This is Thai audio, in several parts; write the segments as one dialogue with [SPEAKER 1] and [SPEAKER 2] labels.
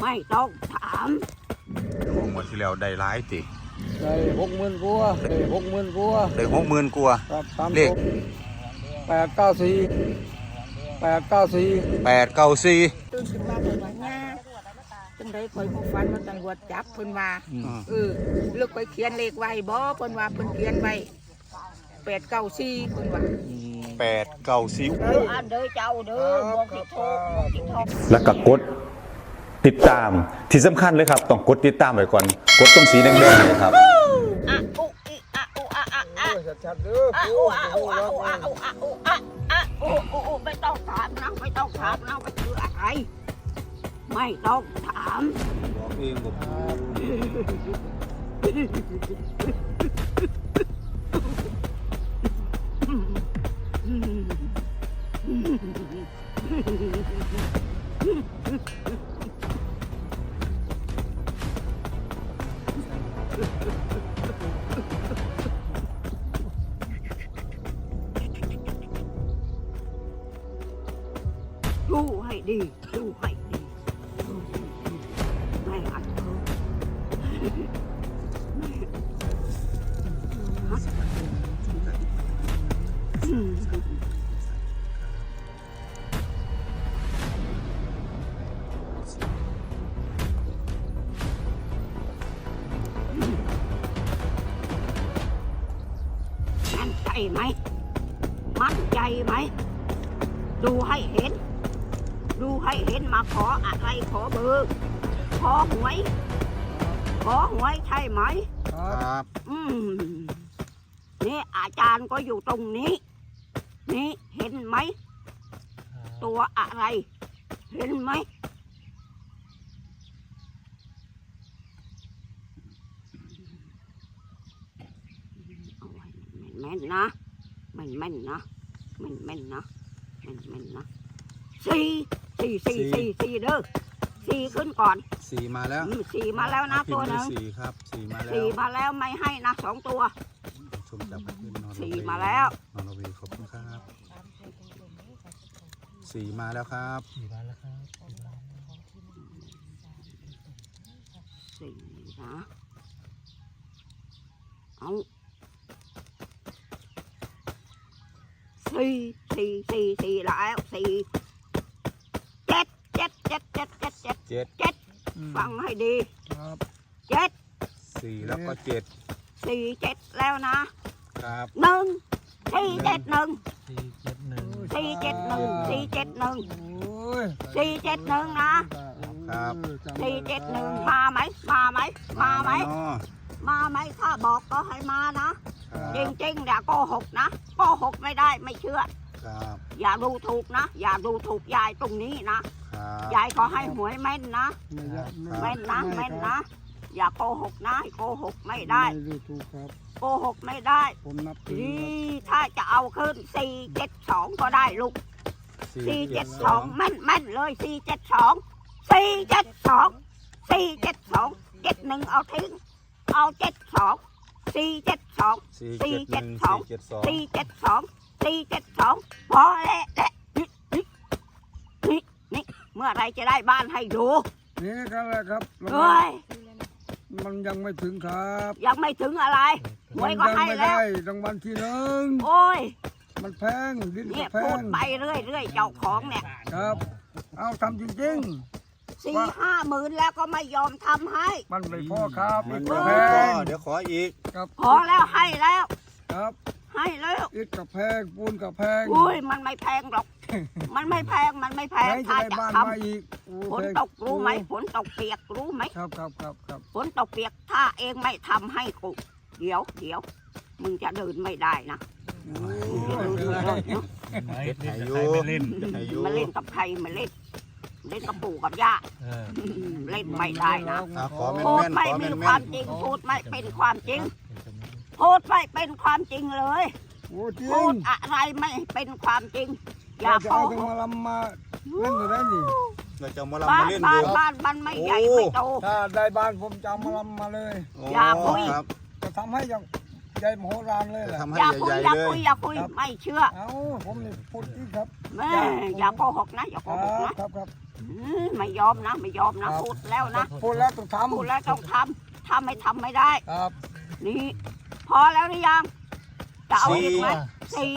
[SPEAKER 1] ไม่ต้องถาม
[SPEAKER 2] หมดที่แล้วได้หลายติ
[SPEAKER 3] ได้60,000กว่าได้60,000กว่า
[SPEAKER 2] ได้60,000กว่า
[SPEAKER 3] ครับตาม
[SPEAKER 2] เลข
[SPEAKER 3] 894
[SPEAKER 1] ตื่นขึ้นมาเป็นว่าง่าจังได้คอยผู้ฟันมาตำรวจจับเพิ่นว่าเลือกไปเขียนเลขไว้บ่เพิ่นว่าเพิ่นเขียนไว้894เพิ่นว่า
[SPEAKER 2] 894
[SPEAKER 1] อันเด้อเจ้าเด้อบ่ผิดโทษ
[SPEAKER 4] แล้วก็กดติดตามที่สำคัญเลยครับต้องกดติดตามไว้ก่อนกดตรงสีแดงๆเลยครับ
[SPEAKER 1] อะอุอิอะอุอะอะอะ
[SPEAKER 3] ชัดๆเด้อ
[SPEAKER 1] อะอุอะอุอะอุอะอุอะอุอะอะอุไม่ต้องถามนะไม่ต้องถามนะว่าคืออะไรไม่ต้องถาม
[SPEAKER 2] บอกเอง
[SPEAKER 1] ดูให้ดีดูให้ดีไม่อัดเธอมั่นใจไหมมั่นใจไหมดูให้เห็นดูให้เห็นมาขออะไรขอเบอร์ขอหวยใช่ไหม
[SPEAKER 2] ครับ
[SPEAKER 1] นี่อาจารย์ก็อยู่ตรงนี้นี่เห็นไหมตัวอะไรเห็นไหมแม่นนะแม่นนะสี่เด้อสี่ขึ้นก่อน
[SPEAKER 2] 4มาแล้ว
[SPEAKER 1] 4มาแล้วนะตัวนึง
[SPEAKER 2] 4ครับ4มาแล้ว
[SPEAKER 1] 4มาแล้วไม่ให้นะ2ตัว
[SPEAKER 2] ชมจับขึ้นนอน
[SPEAKER 1] 4มาแล้ว
[SPEAKER 2] นอนวีขอบคุณครับ4มาแล้วครับ
[SPEAKER 1] 4นะเอา4แล้ว7ฟังให้ดี
[SPEAKER 3] ครับ
[SPEAKER 1] 7
[SPEAKER 2] แล้วก็
[SPEAKER 1] 7แล้วนะครับ1 4 7 1 4 7 1 4 7 1 4 7 1นะครับ4 7 1มาไหมถ้าบอกก็ให้มานะจริงๆอย่าโกหกนะโกหกไม่ได้ไม่เชื่ออย่าดูถูกนะอย่าดูถูกยายตรงนี้นะยายก็ให้หวยแม่นนะแม่นนะอย่าโกหกนะโกหกไม่ได้โกหกไม่ได้ถ้าจะเอาขึ้น472ก็ได้ลูก472แม่นเลย472 71เอาทิ้งเอา72 พอแล้วนี่เมื่อไรจะได้บ้านให้ดู
[SPEAKER 3] นี่ก็แหละครับมันยังไม่ถึงครับ
[SPEAKER 1] ยังไม่ถึงอะไรหวยก็ให้แล้ว
[SPEAKER 3] รางวัลที่1
[SPEAKER 1] โอ้ย
[SPEAKER 3] มันแพงดิ้น
[SPEAKER 1] เนี่ย
[SPEAKER 3] แพง
[SPEAKER 1] พูดไปเรื่อยเจ้าของเนี่ย
[SPEAKER 3] ครับเอาทำจริง
[SPEAKER 1] 4-5 หมื่นแล้วก็ไม่ยอมทำให้
[SPEAKER 3] มันไม่พอครับ
[SPEAKER 2] มันไม่พอเดี๋ยวขออีก
[SPEAKER 1] พอแล้วให้แล้ว
[SPEAKER 3] ครับ
[SPEAKER 1] ให้แล้ว
[SPEAKER 3] อิฐกับแพงปูนกับแพง
[SPEAKER 1] อุ้ยมันไม่แพงหรอกมันไม่แพงถ้าจะทำฝนตกรู้ไหมฝนตกเปียกรู้ไหม
[SPEAKER 3] ครับ
[SPEAKER 1] ฝนตกเปียกถ้าเองไม่ทำให้กูเดี๋ยวมึงจะเดินไม่ได้นะมาเล่นกับใครมาเล่นกับปู่กับย่าเล่นไม่ได้นะพูดไม่มีความจริงพูดไม่เป็นความจริงพูดไม่เป็นความจริงเลยพูดอะไรไม่เป็นความจริงอย่าโกหก
[SPEAKER 3] มาลำมาเล่นอยู่ได้ดิ
[SPEAKER 2] เราจะมาลำมาเล่นอยู่
[SPEAKER 1] บ้านมันไม่ใหญ่ไม่โต
[SPEAKER 3] ถ้าได้บ้านผมจะมาลำมาเลย
[SPEAKER 1] อย่าคุย
[SPEAKER 3] จะทำให้อย่างใหญ่มโหฬารเลยแหละ
[SPEAKER 1] อย่าคุยไม่เชื่อ
[SPEAKER 3] เอาผมนี่พูดจริงครับ
[SPEAKER 1] แม่อย่าโกหกนะ
[SPEAKER 3] ครับ
[SPEAKER 1] ไม่ยอมนะไม่ยอมนะพูดแล้วนะ
[SPEAKER 3] พูดแล้วต้องทำ
[SPEAKER 1] พูดแล้วต้องทำถ้าไม่ทำไม่ได้
[SPEAKER 3] ครับ
[SPEAKER 1] นี่พอแล้วหรือยังจะเอาอีกไหมสี่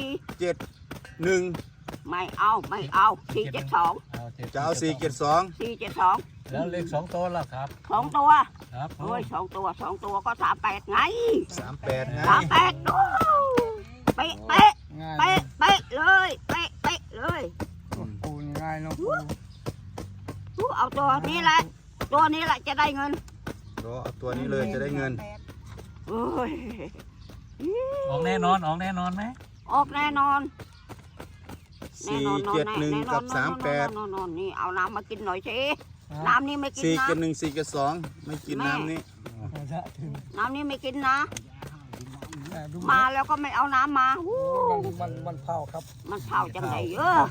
[SPEAKER 2] 7
[SPEAKER 1] ไม่เอา472
[SPEAKER 2] จะเอา472
[SPEAKER 1] 472
[SPEAKER 5] แล้วเลข2ตัวล่ะครับ
[SPEAKER 1] 2 ตัว
[SPEAKER 5] ครับ
[SPEAKER 1] โอ้ย2 ตัวก็38ไง
[SPEAKER 2] 38ไง
[SPEAKER 1] 38ดูเป๊ะเป๊ะ
[SPEAKER 3] ง่าย
[SPEAKER 1] เป๊ะเป๊ะเลยเป๊ะเป๊ะเลย
[SPEAKER 3] ปูง่ายเนาะปู
[SPEAKER 1] เอาตัวนี้แหละตัวนี้แหละจะได้เงิน
[SPEAKER 2] เอาตัวนี้เลยจะได้เงิน
[SPEAKER 1] โอ้ย
[SPEAKER 5] ออกแน่นอนออกแน่นอนไหม
[SPEAKER 1] ออกแน่นอน
[SPEAKER 2] 471 กับ
[SPEAKER 1] นอนนี่เอาน้ำมากินหน่อยสิน้ำนี่ไม่กินนะ
[SPEAKER 2] 38 472ไม่กินน้ำนี้
[SPEAKER 1] น้ำนี่ไม่กินนะ มาแล้วก็ไม่เอาน้ำมา
[SPEAKER 3] มันเผาครับ
[SPEAKER 1] มันเผาจังไหน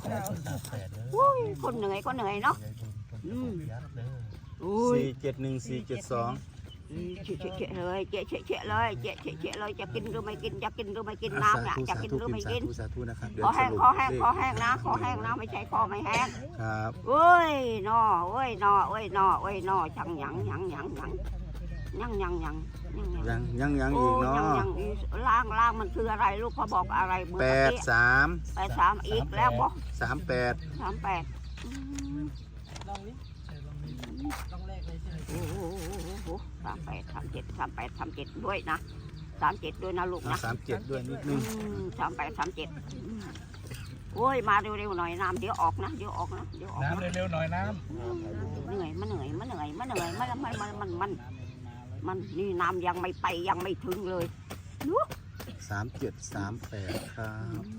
[SPEAKER 1] คนเหนื่อยเนาะ
[SPEAKER 2] 471 472
[SPEAKER 1] เฉะเลยเฉะเลยจะกินหรือไม่กินจะกินหรือไม่กินน้ำเนี่ยจะกินหรือไม่กิน
[SPEAKER 2] สาธุนะครับ
[SPEAKER 1] คอแห้งนะไม่ใช่คอไม่แห้ง
[SPEAKER 2] ครับ
[SPEAKER 1] เอ้ยนอจังยังอีกเนาะ ล่างมันคืออะไรลูกเขาบอกอะไรเมื่อกี้83อีกแล้วบอก
[SPEAKER 2] 38
[SPEAKER 1] 38โอ้โห38ด้วยนะ37ด้วยนะลูกนะ
[SPEAKER 2] 37ด้วยนิดนึง
[SPEAKER 1] 37โอ้ยมาเร็วๆหน่อยน้ำเดี๋ยวออกนะ
[SPEAKER 5] น้ำเร็วๆหน่อยน้
[SPEAKER 1] เหนื่อยมันนี่น้ำยังไม่ไปยังไม่ถึงเลย
[SPEAKER 2] 37 38ครับ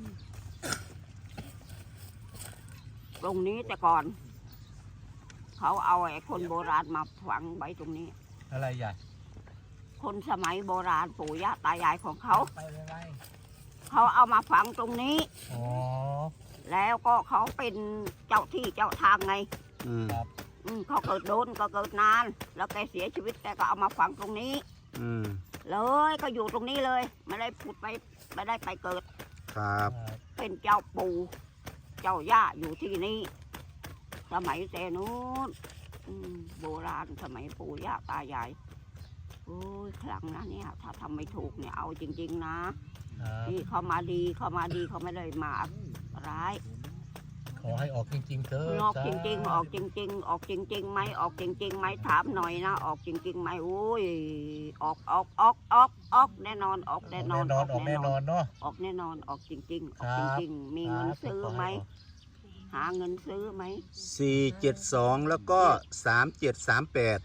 [SPEAKER 1] ตรงนี้แต่ก่อน เขาเอาไอ้คนโบราณมาฝังไว้ตรงนี้
[SPEAKER 5] ำอะไรใหญ่
[SPEAKER 1] คนสมัยโบราณปู่ย่าตายายของเขาเขาเอามาฝังตรงนี้
[SPEAKER 5] อ๋อ
[SPEAKER 1] แล้วก็เขาเป็นเจ้าที่เจ้าทางไง
[SPEAKER 5] ครับ
[SPEAKER 1] เขาเกิดโดนก็เกิดนาน แล้วแกเสียชีวิตแกก็เอามาฝังตรงนี้ เลยก็อยู่ตรงนี้เลย ไม่ได้ผุดไปไม่ได้ไปเกิด
[SPEAKER 2] ครับ
[SPEAKER 1] เป็นเจ้าปู่เจ้าย่าอยู่ที่นี่ สมัยแต่นู้นโบราณสมัยปู่ย่าตายายโอ้ยครั้งนะเนี่ยถ้าทำไม่ถูกเนี่ยเอาจริงๆนะนี่เขามาดีเขาไม่ได้มาร้าย
[SPEAKER 5] ขอให้ออกจริงๆเถอะ
[SPEAKER 1] ออกจริงๆออกจริงไหมออกจริงๆไหมถามหน่อยนะออกจริงๆไหมโอ้ยออกแน่นอนออกแน่นอน
[SPEAKER 5] ออกแน่นอนเนาะ
[SPEAKER 1] ออกแน่นอนออกจริงๆออกจริงๆมีเงินซื้อไหมหาเงินซื้อไหม
[SPEAKER 2] 472แล้วก็3738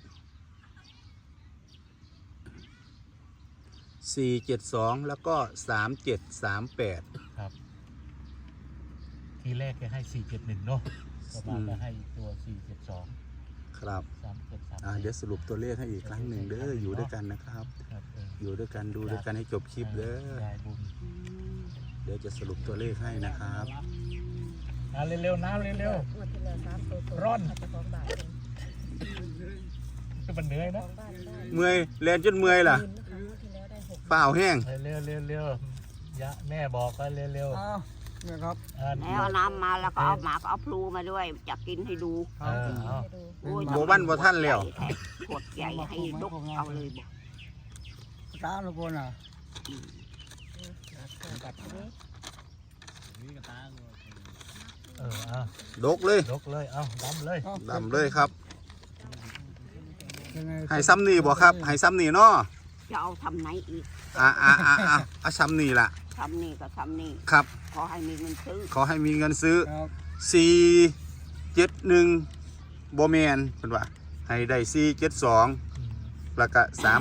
[SPEAKER 2] 472แล้วก็3738
[SPEAKER 5] ครับทีแรกแกให้471เนาะต่อมาก็ให้ตัว472
[SPEAKER 2] ครับ
[SPEAKER 5] 3738
[SPEAKER 2] เดี๋ยวสรุปตัวเลขให้อีกครั้งหนึ่งเด้ออยู่ด้วยกันนะครับ อยู่ด้วยกันดูด้วยกันให้จบคลิปเด้อเดี๋ยวจะสรุปตัวเลขให้นะครับ
[SPEAKER 5] เร็วๆน้ำเร็วๆร่อนมันเหนื่อยนะ
[SPEAKER 2] เมื่อยแลนจนเมื่อยล่ะเปล่าแห้ง
[SPEAKER 5] เร็วๆยะแม่บอกก็เร็ว
[SPEAKER 3] เนี่ยครับ
[SPEAKER 1] แล้วเอาน้ำมาแล้วก็เอาหมากเอาพลูมาด้วยจะกินให้ดู
[SPEAKER 2] โบวันบ่ท่านแล้ว
[SPEAKER 1] ขวดใหญ่ให้ลุกเอาเลยบอก
[SPEAKER 3] ตาลูกคนอ่ะ
[SPEAKER 2] ดกเลย
[SPEAKER 5] ยกเลยเอาดำเลย
[SPEAKER 2] ดำเลยครับ
[SPEAKER 3] ยังไง
[SPEAKER 2] ให้ซ้ำนี่บ่ครับให้ซ้ำนี่เนาะ
[SPEAKER 1] จะเอาทำไหนอีก
[SPEAKER 2] ซ้ำนี่ล่ะ
[SPEAKER 1] ทำนี่ก็ทำนี่
[SPEAKER 2] ครับ
[SPEAKER 1] ขอให้มีเงินซื้อ
[SPEAKER 2] ขอให้มีเงินซื้อ
[SPEAKER 3] ครับ
[SPEAKER 2] 471บ่แม่นเพิ่นว่าให้ได้472แล้วก็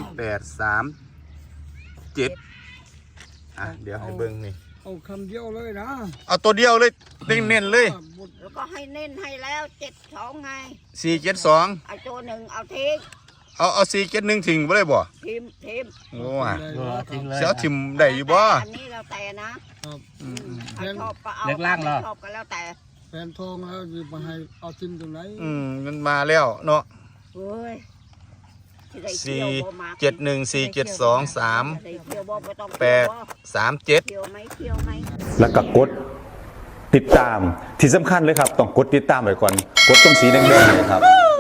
[SPEAKER 2] 3837เดี๋ยวให้เบิ่งนี่
[SPEAKER 3] เอาคำเดียวเลยนะ
[SPEAKER 2] เอาตัวเดียวเลยเน้นๆเลย
[SPEAKER 1] แล้วก็ให้เน้นให้แล้ว72ไง
[SPEAKER 2] 472
[SPEAKER 1] ไอ้ตัวหนึ่งเอาทิ้ง
[SPEAKER 2] เอา471ทิ้งบ่ได้บ่
[SPEAKER 1] ทิม
[SPEAKER 2] โอ้ย
[SPEAKER 5] ทิ้งเลย
[SPEAKER 2] เสียทิมได้อยู่บ่
[SPEAKER 1] อันนี้แล้วแต่นะครับ ใครชอบก็เอา
[SPEAKER 5] เล็กล่างเหรอ
[SPEAKER 1] ชอบก็แล้วแต่
[SPEAKER 3] แฟนทองแล้วจะมาให้เอาทิมตรงไหน
[SPEAKER 2] มันมาแล้วเนาะ
[SPEAKER 1] เฮ้ย
[SPEAKER 2] 471 472
[SPEAKER 1] ได้เที่ยวบ่ไม่ต้อง
[SPEAKER 2] 8 37
[SPEAKER 1] เที่ยวไหม
[SPEAKER 4] แล้วก็กดติดตามที่สำคัญเลยครับต้องกดติดตามไว้ก่อนกดตรงสีแดงๆเลยครับ